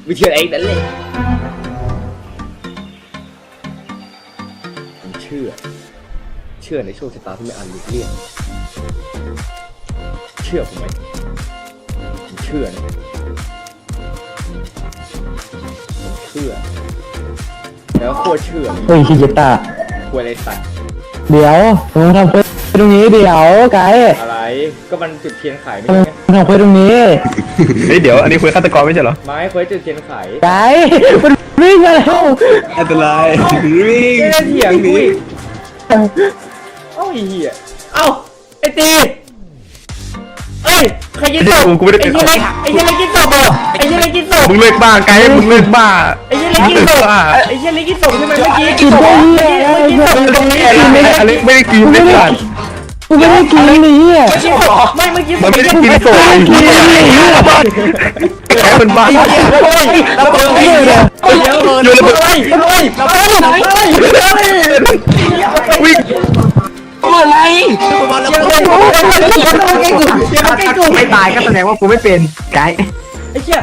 ไม่เชื่อเองนั่นเลยเชื่อในโชคชะตาที่ไม่อาจหลีกเลี่ยงเชื่อผมไหมผมเชื่อนะผมเชื่อแล้วโคตรเชื่อเฮ้ยชิจิตะกลัวอะไรสัตว์เดี๋ยวมึงทำเควสตรงนี้เดี๋ยวไกด์อะไรก็มันจุดเทียนไขไม่ใช่ไงมึงทำเควสตรงนี้เฮ้ยเดี๋ยวอันนี้คุยฆาตกรไม่ใช่เหรอไม้เควสจุดเทียนไขไกด์มันวิ่งมาแล้วอันตรายวิ่งเถียงกูอีกเอ้าไอ้เหี้ยเอ้าไอ้ตีเอ้ยใครกินศพไอ้เหี้ยเล็กไอ้เหี้ยเล็กกินศพเหรอไอ้เหี้ยเล็กกินศพมึงเลิกบ้าไกด์มึงเลิกบ้าไอ้เหี้ยเล็กกินศพไอ้เหี้ยเล็กกินศพใช่ไหมเมื่อกี้กินได้เหี้ยกินศพตรงนี้อเล็กไม่ได้กินไม่ได้กูไม่ได้กินนี่อ่ะกินศพไม่เมื่อกี้มันไม่ได้กินโซ่แกมันบ้าระเบิดเดี๋ยวโยนระเบิดระเบิดวิ่งอะไรไม่ตายก็แสดงว่ากูไม่เป็นไกด์ไอ้เหี้ย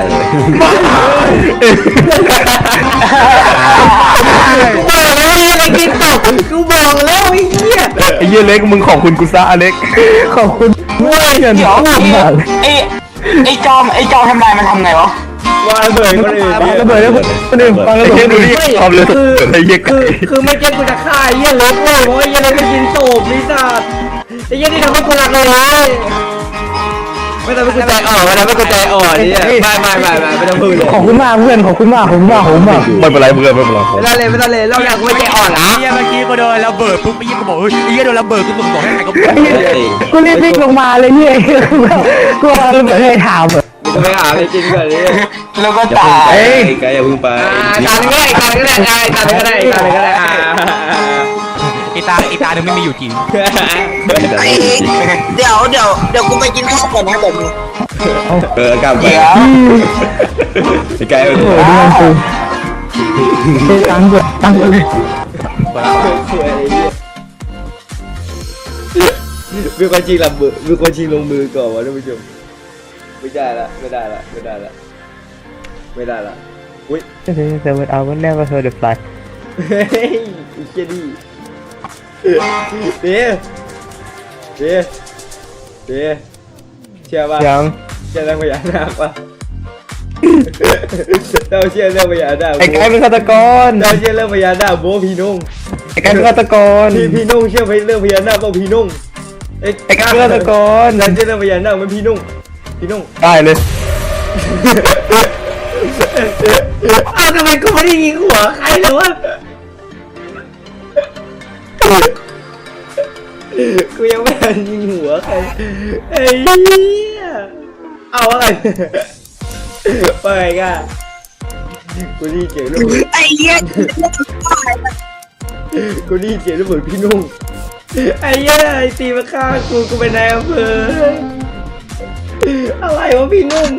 กูบอกแล้วไอ้เหี้ยไอ้เหี้ยเล็กมึงของคุณกุซ่าอเล็กขอบคุณด้วยเดี๋ยวไอ้จอมทำลายมันทำไงวะว่าระเบิดคนอื่นระเบิดแล้วคนอื่นฟังระไอ้เบิเหี้ยดดูดิความเร็วไอ้เหี้ยคือไม่เก็ตกูจะฆ่าไอ้เหี้ยเล็กเลยเพราะไอ้เหี้ยเล็กมันยิงโตบลิซ่าไอ้เหี้ยนี่ทำให้กูรักเลยไม่ทำให้กูใจอ่อนไม่ทำให้กูใจอ่อนนี่ไม่ต้องพูดเลยขอบคุณมากเพื่อนขอบคุณมากผมมากไม่เป็นไรเพื่อนไม่เป็นไรไม่ต้องเลยเราอยากกูไม่ใจอ่อนนะเฮียเมื่อกี้ก็โดนระเบิดปุ๊บไอ้เฮียก็บอกเฮ้ยไอ้เฮียโดนระเบิดกูบอกให้ใครก็บอกกูรีบวิ่งลงมาเลยเนี่ยกูเอาระเบิดให้ถามอ่ะจะไปหาอะไรกินก่อนดิแล้วก็ตายเฮ้ยไกด์อย่าเพิ่งไปตาก็ได้ไอ้ตาหนึ่งไม่มีอยู่จริงเดี๋ยวกูไปกินข้าวก่อนนะแบบนี้กลับไปไอ้ไกด์โอ้โหดูมันกูตั้งกดตั้งเลยมีคนชิงลงมือก่อนวะท่านผู้ชมไม่ได้ละอุ้ยแต่ว่าเอาวันแรกก็เคยเดือดร้อนเฮ้ยไอ้เจดี้เชื่อป่ะยังเชื่อเรื่องพญานาคป่ะเราเชื่อเรื่องพญานาคไอ้ไก่เป็นฆาตกรเราเชื่อเรื่องพญานาคโบพี่นุ่งไอ้ไก่เป็นฆาตกรพี่นุ่งเชื่อเรื่องพญานาคป่ะพี่นุ่งไอ้ไก่เป็นฆาตกรเราเชื่อเรื่องพญานาคมันพี่นุ่งได้เลยอ้าวทำไมกูไม่ได้ยิงหัวใครเลยวะกูยังไม่ได้ยิงหัวใครไอ้เหี้ยเอาอะไรไปกันกูดีเจ๋งลูกไอ้เหี้ยกูดีเจ๋งลูกเหมือนพี่นุ่งไอ้เหี้ยไอ้ตีมาฆ่ากูเป็นนายอำเภออะไรวะพี่นุ่ง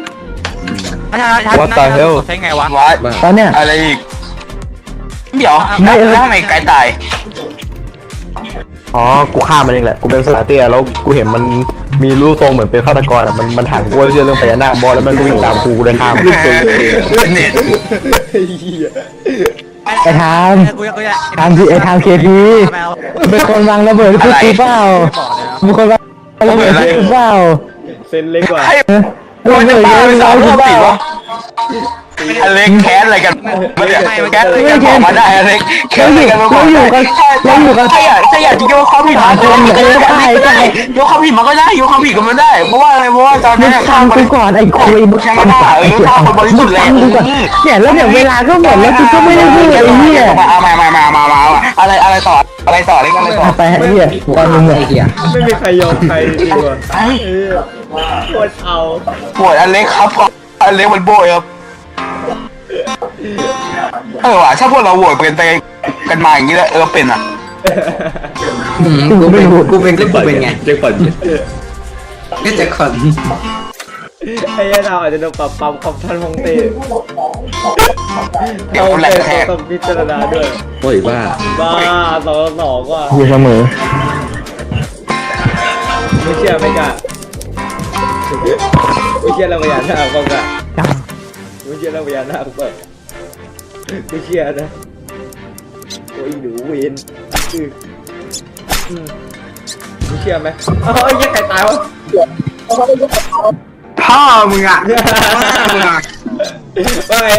ใช่ไงวะตอนเนี้ยอะไรอีกเดี๋ยวแล้วทำไมไกลตายอ๋อกูฆ่ามันเองแหละกูเป็นสาเตียแล้วกูเห็นมันมีรูปทรงเหมือนเป็นฆาตกรอ่ะมันถามกูว่าเชื่อเรื่องพญานาคบอลแล้วมันก็วิ่งตามกูเดินทางรูปทรงเน็ตไอ้เหี้ยไอ้ทามทามที่ไอ้ทามเคทีเป็นคนวางระเบิดพูดกูเปล่าเป็นคนวางระเบิดพูดกูเปล่าเซ็นเล็กกว่าระเบิดเยอะเรากูเปล่าอเล็กแคสอะไรกันแคสอะไรกันบอกมาได้อเล็กแคสอะไรกันมาบอกใช่อ่ะจริงๆว่าความผิดมันยกความผิดมันก็ได้ยกความผิดกันมันได้เพราะว่าอะไรเพราะว่าตอนมึนี้งฟังกูก่อนไอ้คุยมึงใช่ไหมล่ะถ้าคนบริสุทธิ์เลยเนี่ยแล้วเดี๋ยวเวลาก็หมดแล้วกูก็ไม่ได้พูดไอ้เนี่ยเอามาอะไรต่ออะไรต่ออะไรต่อไปไอ้เนี่ยตอนมึงเนี่ยไม่มีใครยอมใครจริงว่ะโคตรเอาปวดอเล็กครับอเล็กมันโบยครับว่ะถ้าพวกเราโหวตเป็นไปกันมาอย่างนี้แล้วเป็นอ่ะกูไม่รู้กูเป็นไงเจ๊ก่อนก็จะขอนไอ้เราอาจจะโดนปรับของท่านฮงเต้เดี๋ยวแหลกแทกต้องพิจารณาด้วยโอ้ยบ้าบ้า2-2ว่ะอยู่เสมอไม่เชื่อไม่กล้าไม่เชื่อเราพยายามทำบ้างกะไม่เชื่อแล้วพญานาคเปิดไม่เชื่อนะโอ้ยหนูเวนไม่เชื่อไหมอ๋อไอ้ยังไงตายวะพ่อมึงอ่ะมึงอ่ะว่าไง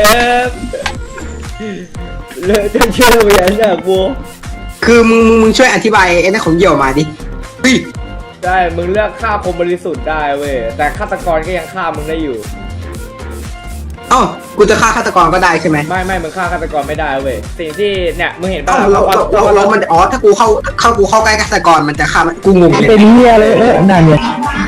เลยจะเชื่อพญานาคบัวคือมึงช่วยอธิบายไอ้นั่นของเหยี่ยวมาดิเฮ้ยได้มึงเลือกฆ่าคนบริสุทธิ์ได้เว้ยแต่ฆาตกรก็ยังฆ่ามึงได้อยู่เอ้ากูจะฆ่าฆาตกรก็ได้ใช่ไหมไม่มึงฆ่าฆาตกรไม่ได้เว้ยสิ่งที่เนี่ยมึงเห็นป่ะเอ้าเรามันอ๋อถ้ากูเข้าใกล้ฆาตกรมันจะฆ่ามันกูงงเลยเป็นเหี้ยเลยนั่นเนี่ย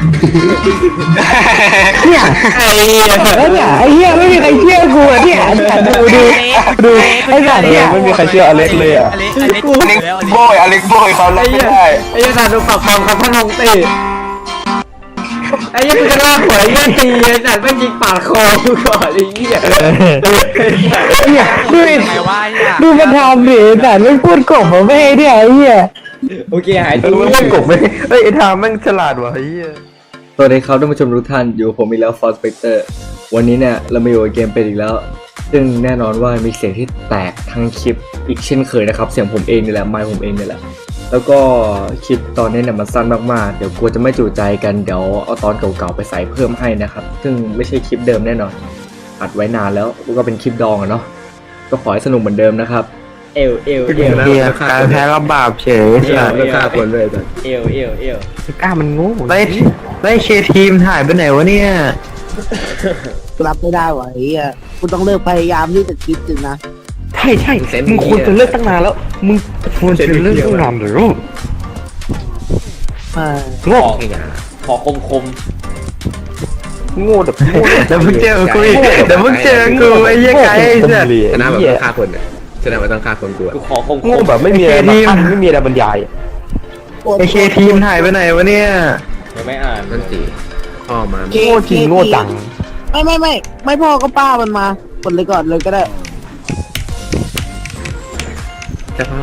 เนี่ยไอ้เหี้ยแล้วเนี่ยไอ้เหี้ยไม่มีใครเชื่อกูอ่ะเนี่ยดูไอ้สัตว์เนี่ยไม่มีใครเชื่ออเล็กเลยอ่ะอเล็กโบยอเล็กโบยเขาไอ้รับไม่เหี้ยได้ไอ้เหี้ยสารดูปากความกับท่านฮงเต้ไอ้เหี้ยมึงจะล่าหัวไอ้เหี้ยตีไอ้สัตว์ไม่ยิงปาดคอกูก่อนไอ้เหี้ยเนี่ยดูไงวะเนี่ยดูมันทำดิแต่ไม่พูดกบมาไม่ให้เนี่ยไอ้เหี้ยโอเคหายเอตัวอไม่กบไหมเฮ้ยไอ้ทามแม่งฉลาดว่ะเฮียสวัสดีครับท่านผู้ชมทุกท่านอยู่กับผมอีกแล้วฟอร์สเปกเตอร์วันนี้เนี่ยเรามาอยู่กับเกมเป็นอีกแล้ว ซึ่งแน่นอนว่ามีเสียงที่แตกทั้งคลิปอีกเช่นเคยนะครับเสียงผมเองนี่แหละไมค์ผมเองนี่แหละแล้วก็คลิปตอนนี้เนี่ยมันสั้นมากๆเดี๋ยวกลัวจะไม่จุใจกันเดี๋ยวเอาตอนเก่าๆไปใส่เพิ่มให้นะครับซึ่งไม่ใช่คลิปเดิมแน่นอนอัดไว้นานแล้วก็เป็นคลิปดองอะเนาะก็ขอให้สนุกเหมือนเดิมนะครับเอวเฮียการแพ้ก็บาปเฉยไม่ฆ่าคนเลยเอวกล้ามันงูได้เคทีมถ่ายไปไหนวะเนี่ยรับไม่ได้ว่ะไอ้เหี้ยกูต้องเลิกพยายามที่จะคิดจริงนะใช่มึงควรจะเลิกตั้งนานแล้วมึงควรจะเลิกตั้งนานหรือเออขอคมโง่แบบโง่เดี๋ยวมึงเจอกูเดี๋ยวมึงเจอกูไอ้เหี้ยไก่ไอ้เหี้ยชนะแบบต้องฆ่าคนเนี่ยชนะแบบต้องฆ่าคนกลัวกูขอคมโง่แบบไม่มีอะไรมาขั้นไม่มีอะไรบรรยายไอเคทีมถ่ายไปไหนวะเนี่ยยังไม่อ่านนั่นสิพ่อมาโง่จริงโง่จังไม่พ่อก็ป้ามันมากดเลยก่อนเลยก็ได้แต่พ่อ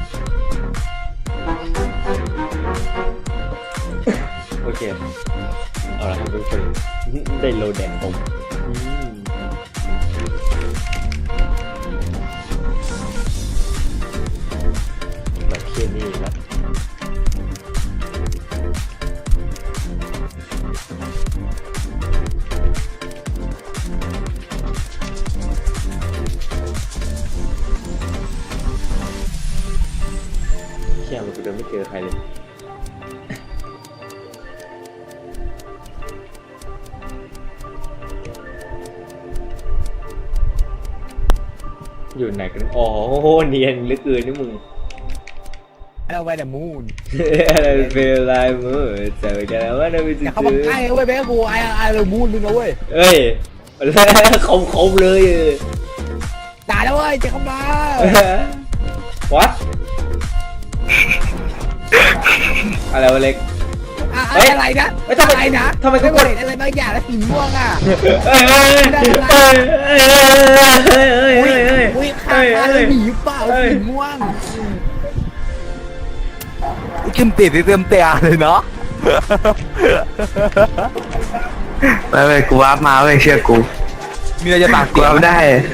โอเคเอาละครับทุกคนได้โลแดงผมแบบเคียนี่ครับเชี่ยมันกูเดินไม่เจอใครเลยอยู่ไหนกันอ๋อเนียนเหลือเกินนี่มึงเอาไว้แต่มูนอะไรเป็นลายมือเจอกันแล้วว่าเราไปอย่าเข้ามาใกล้เว้ยแม่กูไอ้เรื่องมูนมึงนะเว้ยเอ้ยคมเลยด่าแล้วเว้ยจะเข้ามา what อะไรวะเล็กอะไรนะเฮ้ยทำไมอะไรนะทำไมกูกดเห็นอะไรบางอย่างแล้วสีม่วงอ่ะ อุ้ยข้างอะไรหนีเปล่าสีม่วงขึ้นเตะเต็มเตะเลยเนาะไม่กูวาร์ปมาเว้ยเชื่อกูมีอะไรจะปากกูวาร์ปได้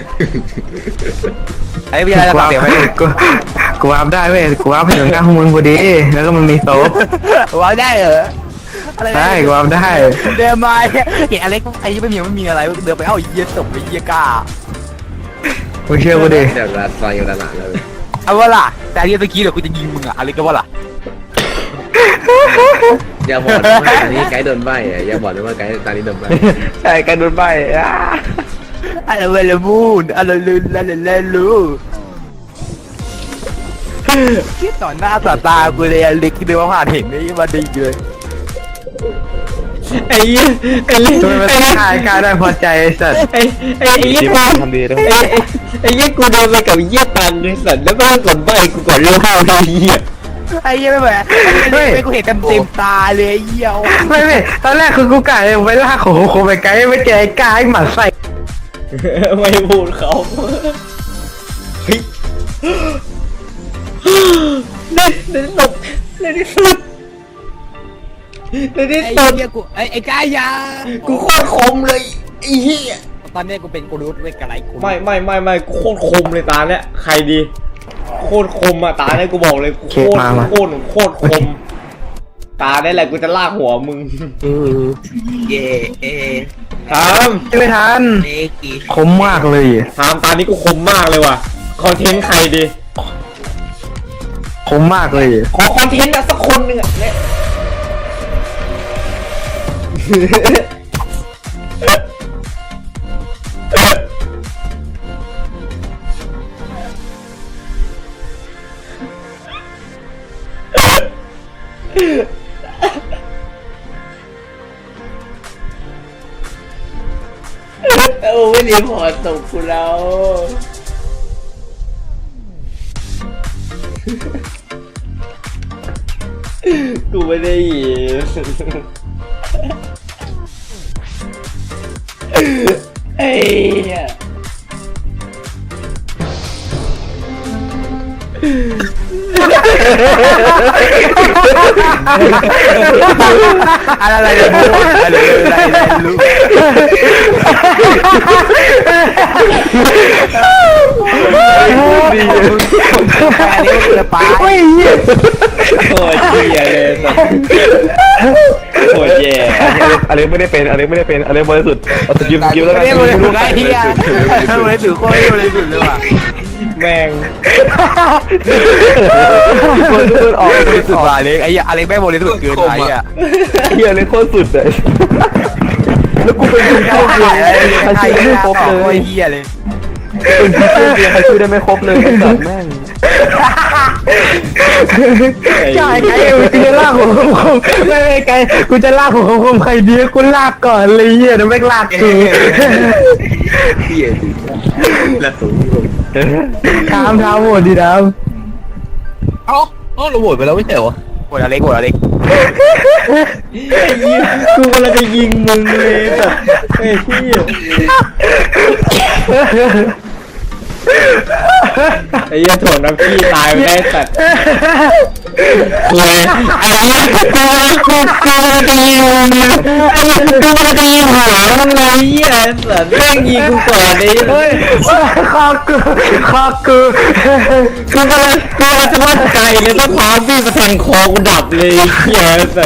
ไอ้มีอะไรจะปากเสียไหมกูวาร์ปได้เว้ยกูวาร์ปไปถึงข้างมึงพอดีแล้วก็มันมีโต๊ะว่าได้เหรออะไรได้กูวาร์ปได้เดินมาเห็นอเล็กไอ้ยี่ไม่มีอะไรเดินไปเอ้าเยี่ยตบไปเยี่ยก้ามึงเชื่อกูดิเดี๋ยวรัดซอยอยู่ด้านหลังเลยเอาว่าล่ะแต่เยี่ยตะกี้เดี๋ยวกูจะยิงมึงอ่ะอเล็กก็ว่าล่ะอย่าบอกนะว่าอันนี้ไกด์โดนใบอ่ะอย่าบอกนะว่าไกด์ตอนนี้โดนใบใช่กันโดนใบอะไรเวลมูนอะไรลืนอะไรลูคิดต่อหน้าต่อตากูเลยอเล็กที่เดินมาผ่านเห็นนี่มาดีเลยไอ้ยี่ไอ้ยี่ทำไมมันต้องขายการได้พอใจไอ้สัตว์ไอ้ยี่กูทำดีด้วยไอ้ยี่กูเดินไปกับยี่ตันไอ้สัตว์แล้วก็กดใบกูก่อนเรื่องข้าวไอ้ยี่ไอ้เหี้ยไม่เหมือนไม่กูเห็นเต็มตาเลยไอ้เหี้ยไม่ตอนแรกคือกูกะเลยไปลากของโคไปไกลไม่เจอไอ้กายหมันใส่ไม่พูดเขาเฮ้ยในที่สุดในที่สุดไอ้เหี้ยกูไอ้กายยากูโคตรคมเลยไอ้เหี้ยตอนนี้กูเป็นกูรูทเวกอะไรกูไม่โคตรคมเลยตาเนี่ยใครดีโคตรคมอ่ะตาเนี่ยกูบอกเลยโคตรคมตาเนี่ยแหละกูจะลากหัวมึงเย่เอทามไม่ทันเนกีคมมากเลยทามตานี้กูคมมากเลยว่ะคอนเทนต์ใครดีคมมากเลยขอคอนเทนต์สักคนหนึ่งอ่ะเนี่ยโอ้ไม่รีพอร์ตส่งกูแล้วกูไม่ได้ยินไอ้เนี่ยอะไรเนี่ยลูกเฮ้ยโคตรเหี้ยเลยสัสโคตรแย่อะไรไม่ได้เป็นอะไรบริสุทธิ์เอาสกิลแล้วกันไม่ได้บริสุทธิ์ไอ้เหี้ยบริสุทธิ์โคตรบริสุทธิ์เลยว่ะแม่งคนออกบริสุทธิ์อเล็กไอ้อะไรแม่บริสุทธิ์เกินไปอ่ะเฮียเลยโคตรสุดเลยแล้วกูเป็นคนโชคดีใครช่วยไม่ครบเลยเหี้ยเลยเป็นพี่โชคดีใครช่วยได้ไม่ครบเลยไอ้สัตว์แม่งใช่ไก่กูจะลากหัวคมไม่ไก่กูจะลากหัวคมใครดีกูลากก่อนเลยเหี้ยแล้วไม่ลากกูเหี้ยดิแล้วสูงถามโหวตดิดาวเราโหวตไปแล้วไม่ใช่เหรอโหวตอเล็กกูกำลังจะยิงมึงเลยสัสไอ้เหี้ยไอ้เหี้ยถ่วงน้ำพี่ตายไปได้สัสคุยอะไรกูจะยิงมึงกูจะยิงหัวมึงเลยเหี้ยสัสแม่งยิงกูก่อนดิเฮ้ยคอกูกูกำลังจะวัดใจเลยต้องพาพี่มาแทงคอกูดับเลยเหี้ยสัส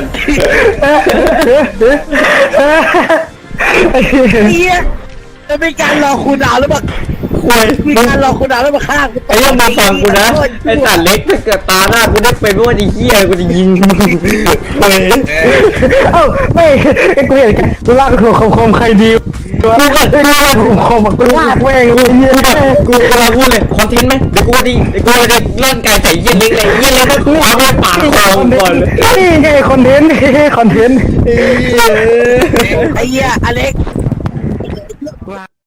เฮียจะเป็นการรอคุณดาวหรือเปล่าคุยมีการรอคุณดาวแล้วมาฆ่ากูไอ้ยังมาฟังกูนะไอ้สัตว์เล็กถ้าเกิดตาหน้ากูได้เป็นว่าไอ้เหี้ยกูจะยิงมึงเฮ้ยเอ้าไม่กูเห็นกูลากหัวคมใครดีกูลากหัวคมกูลากแม่งเลยเหี้ยกูกำลังพูดเลยคอนเทนต์ไหมเดี๋ยวกูจะเล่นไก่ใส่เยี่ยเล็กเลยเยี่ยเล็กก็เอาไปปาดคอก่อนเลยนี่ไงคอนเทนต์ไอ้เหี้ยอเล็ก